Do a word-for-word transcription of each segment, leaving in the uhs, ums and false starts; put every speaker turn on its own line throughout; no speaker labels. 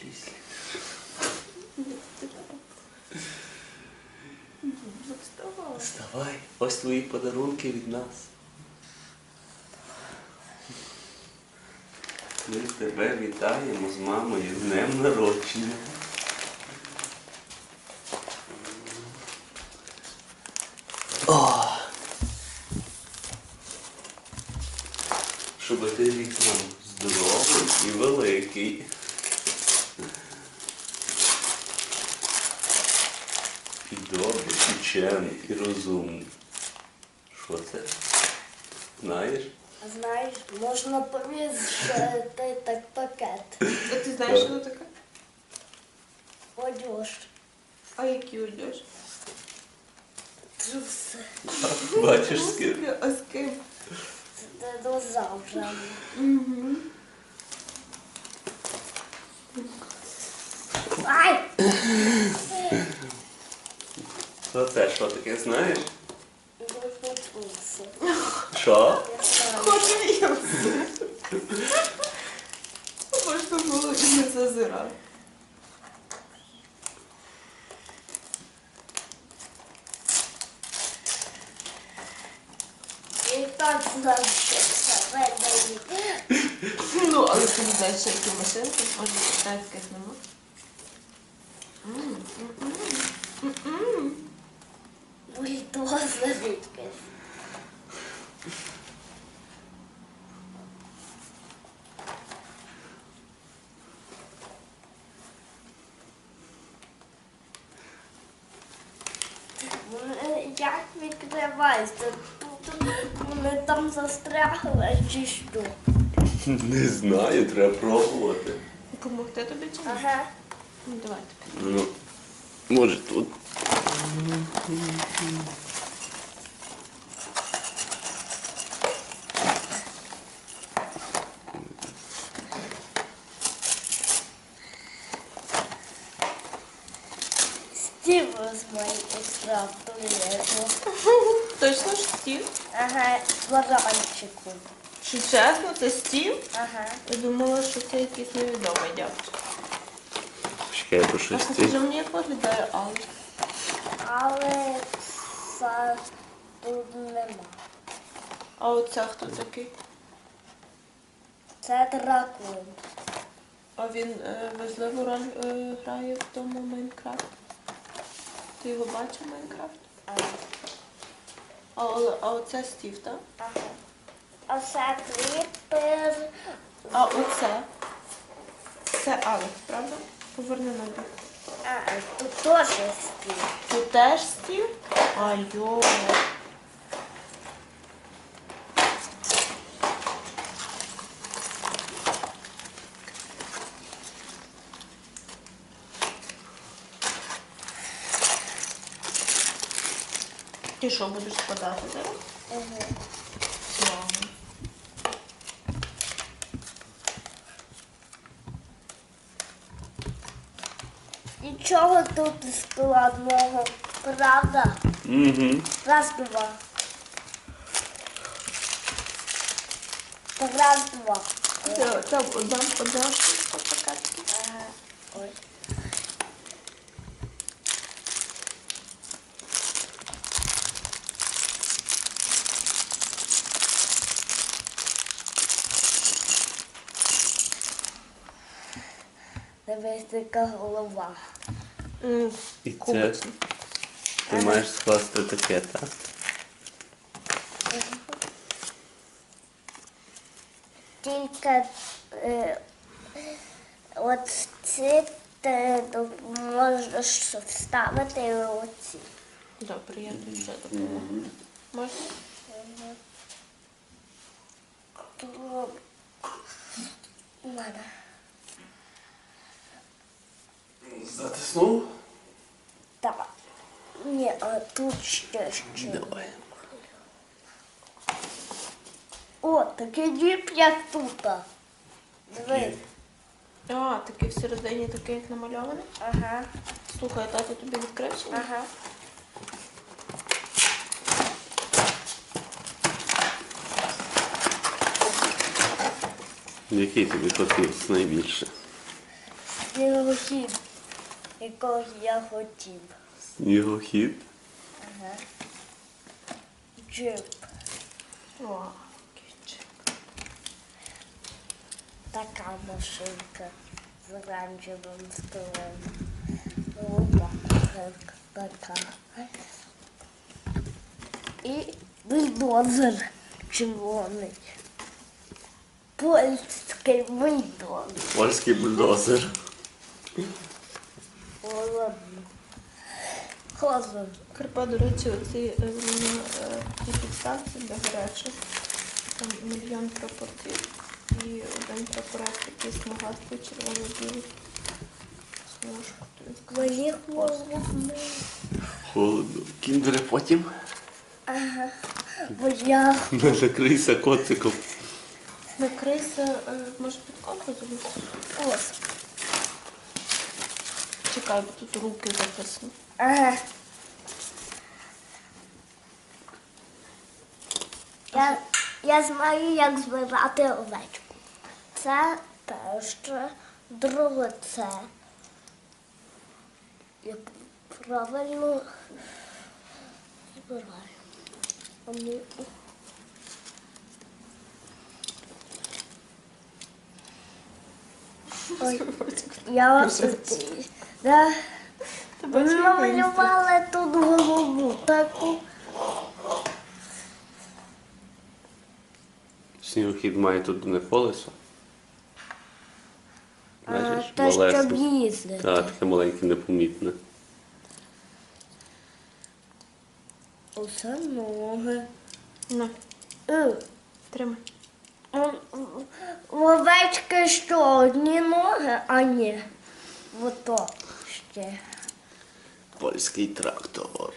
кріслі.
Вставай.
Вставай, ось твої подарунки від нас. Ми тебе вітаємо з мамою з днем народження. О! Щоб ти рік нам здоровий і великий. І добрий, і чемний, і розумний. Що це? Знаєш?
Знаєш, можна повісити так пакет.
А ти знаєш, що це таке?
Одяж.
А який одяж?
Джуси.
Бачиш з ким?
А з ким?
Це динозавра.
Угу.
Ай!
Що це? Що таке, знаєш?
Джуси.
Що?
Хочу їсти. Можна було і не зазирати.
І так знав, що це видає.
Ну, але ти не знаєш, що які машинки, може китайських нема. М, м, м, м.
Бульдозер якийсь. Як відкривається? Тут вони там застрягли чи що?
Не знаю, треба пробувати.
Помогти тобі чи ні?
Ага.
Ну, давай тобі.
Ну, може тут.
Стів з моєї екстраптури.
Точно ж стів?
Ага, з баранчику.
Що чесно, це стів?
Ага.
Я думала, що це якийсь невідомий дядько.
Чекай, по
А
щось
покажи
ті.
мені, як виглядає Алла.
Але це тут нема.
А оце хто такий?
Це дракон.
А він е, важливу роль е, грає в тому Майнкрафт. Ти його бачив в Майнкрафт?
Ага.
А, о- а оце Стів, так?
Ага. А це кріпер.
А оце? Це Алекс, правда? Поверни ноги.
А, тут теж стів.
Тут теж Стів? А йо. Ти що, будеш складати зараз?
Ага.
Слава.
Нічого тут не складного, правда?
Угу.
Раз, два. Раз, два.
Це, це одна, одна штука пакетки.
Ага. Ой. Дивись, така голова.
М,
І це
Кубочна.
ти маєш скласти таке, так?
Тільки е, от ці ти можеш вставити оці.
Добре, я тобі вже допомогу. Можна?
Тут у мене.
Затиснув?
Так. Ні, а тут ще ще.
Давай.
О, такий діп, як тут. Дивись.
А, такий всередині, такий як намальований.
Ага,
Слухай, тато тобі відкрив чи ні?
ага.
Який тобі хотівся найбільше?
снігохід, якого я хотів.
Снігохід.
Ага. Джип.
Вау, кічик.
Така машинка з оранжевим столом. Лука така. І бульдозер червоний. Польський бульдозер.
Польський бульдозер.
Холодно. Холодно.
Карпа, до речі, оці е, на е, ті підставці для гарячих. Там мільйон прапорців і один прапорець такий смугастий, червоно-білий. Смужку.
Мені холодно.
Холодно. Кіндери потім.
Ага. Бо я
Не закрийся котиком.
Накрийся, е, може під ковдру залізти?
ось.
Чекай, бо тут руки записані.
Ага. Я, я знаю, як збирати овечку. Це перше, друге це. Я правильно збираю. А ми- Ой, я да,
Ти бачиш, як
намалювала тут голову таку.
Снігохід має тут не колесо.
А,
Бачиш,
Те, щоб
малесеньке.
їздити.
Так, таке маленьке, непомітне.
Усе ноги.
На,
Е,
тримай.
м, В овечки що, одні ноги, а ні. Ото ще.
Польський трактор.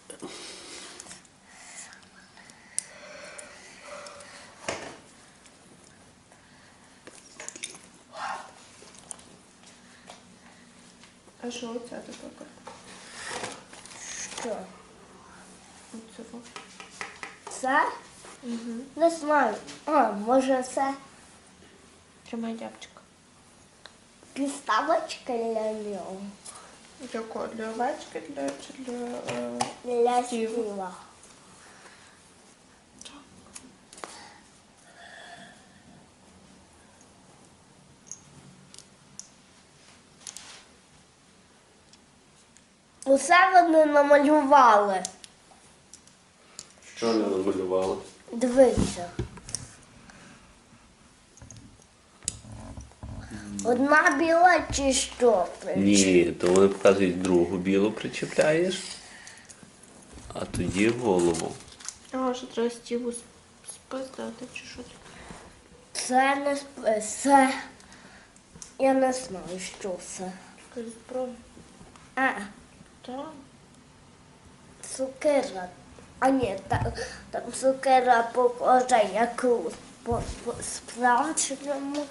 А що оце таке, Карпа?
Що?
Оце во.
Це?
Угу.
Не знаю. А, може це
Тримай дябчика.
підставочка для нього.
Для кого? Для овечки для, чи для... Е...
Для
Стів.
стіла. Усе вони намалювали.
Що не намалювала?
Дивися. Одна біла чи що?
Ні, то вони показують другу білу причепляєш, а тоді голову.
А, що треба стіву сп- спиздати, чи що таке?
Це не сп- це. Я не знаю, що це.
Якась зброя.
А,
Так.
цукера. А ні, там, там цукера похожа якусь по, по справжньому.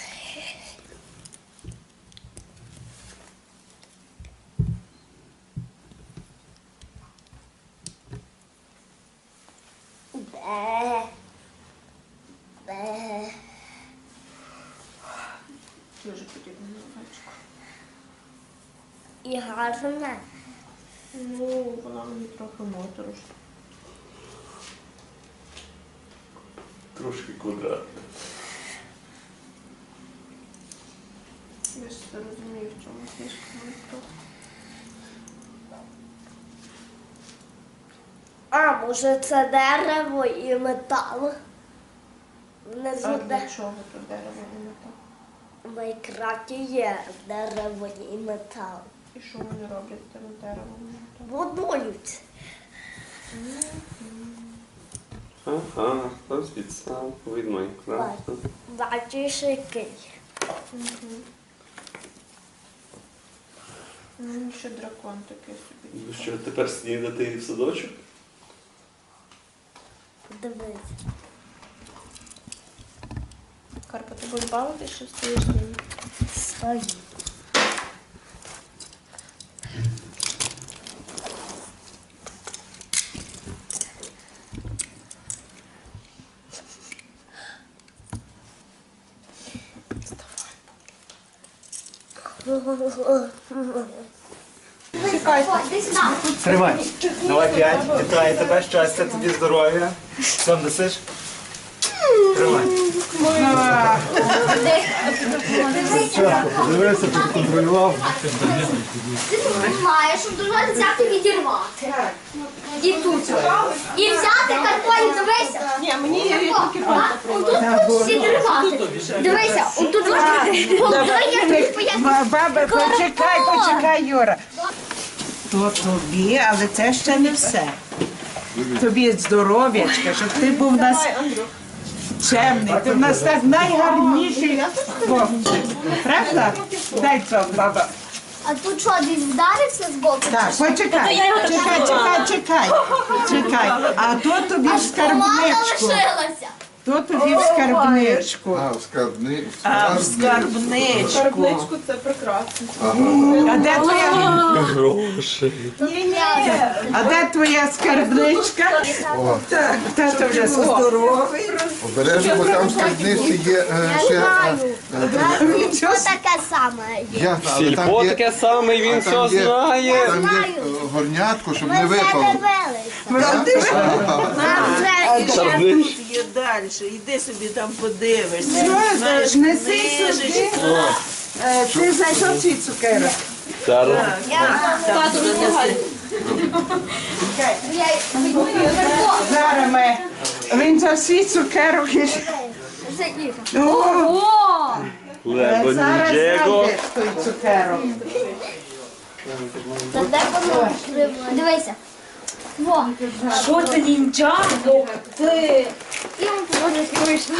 Бе. Бе.
Дуже подібно на овечку.
І гарне.
Ну, вона мені трохи моторошна.
Трошки квадратне.
Я ж це розумію, в чому фішка Майнкрафт.
А, може це дерево і метал. Внизу
А
де
для чого тут дерево і метал?
в Майнкрафті є дерево і метал.
І що вони роблять з тим деревом і металом?
Будують.
Ага, хтось підстав від Майнкрафта.
Бачиш який.
Угу. Ну, ще дракон такий собі.
Ну що, тепер снідати в садочок?
Дивись.
Карпа, ти будеш бавитися, що стоїш з ним?
Стоїть.
Тримай. Давай п'ять. Вітаю тебе, щастя, тобі здоров'я. Сам несеш? Тримай. Дивися, ти контролював.
Ти маєш, щоб дуже взяти відірвати. І тут. І взяти карпоні, дивися.
Ні, мені тільки
Отут відірвати. Дивися, отут головою я тобі поясню.
Баба, почекай, почекай, Юра. То тобі, але це ще не все. Тобі здоров'ячка, щоб ти був у нас чемний. Ти в нас так найгарніший хлопчик. Правда? Дай це, баба.
А тут що, десь вдарився з боку?
Так, почекай, чекай, чекай, чекай. Чекай. А то тобі в
Помада
скарбничку.
лишилася.
То тобі в скарбничку.
А, в скарбни...
А, в скарбничку.
Скарбничку це прекрасно.
А де твоя?
Гроші.
А де твоя скарбничка?
О,
Так, тато вже здоровий.
обережно, бо там в скарбниці є е, ще... е, е,
Що таке саме є?
Ясно, але
Сільпо
там є...
таке саме, він
а
все
там є-
знає.
Там є е, горнятко, щоб не
Ми вже
випало.
дивилися. Нам вже
Є далі, іди собі там подивишся.
Що, неси сюди. Е, Ти знайшов ці цукерок?
Зараз.
Зараз ми. Він за всі цукерок. і- О,
Лебо
зараз
Ніджего.
знайде той цукерок.
Та де воно? Дивися. Во.
Що це ніндзяго? Ти.
І он туди вийшло.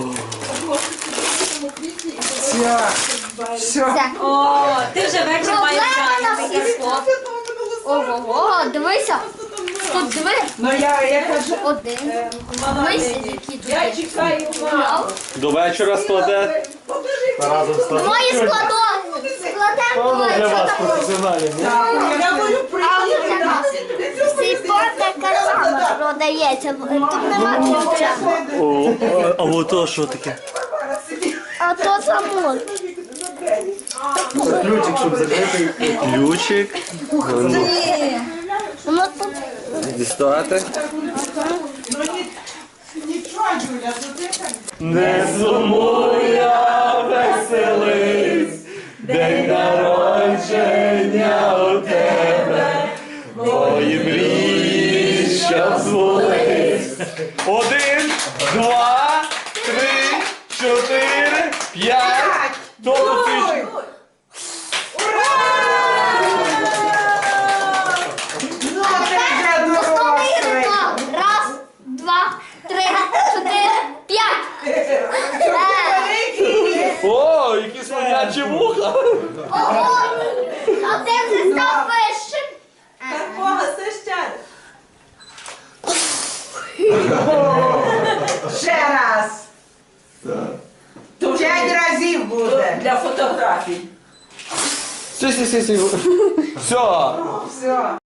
Все. Все.
О, ти вже вечір маєш
Проблема на
зайнятий.
всіх. Ого, дивися. Тут диви.
Ну я, я кажу,
Один. Дивися, які тут є.
Чекаю,
Мав.
До вечора складе.
Разом з тобою.
Мої складо. Складемо.
Для вас професіоналів. ні?
я буду
Цей спорт така сама продається. Тут нема ключа.
О, а ото що таке?
А то само.
Ключик, щоб закрити.
Ключик.
Воно тут.
Дістати.
нічого, Юля, то ти так.
Не сумуй, я веселись, день народження у тебе, мої мрії, що збулись. Один, два, три, чотири, п'ять. Тобто ти
Ну, ти вже дорослий.
Раз, два, три, чотири, п'ять. Е,
О, які слонячі вуха!
Ого! А ти вже став вищим.
Бога, це ще.
Ще раз. П'ять разів буде.
Для фотографій.
Сі, сі, сі, сі. Все.
Все.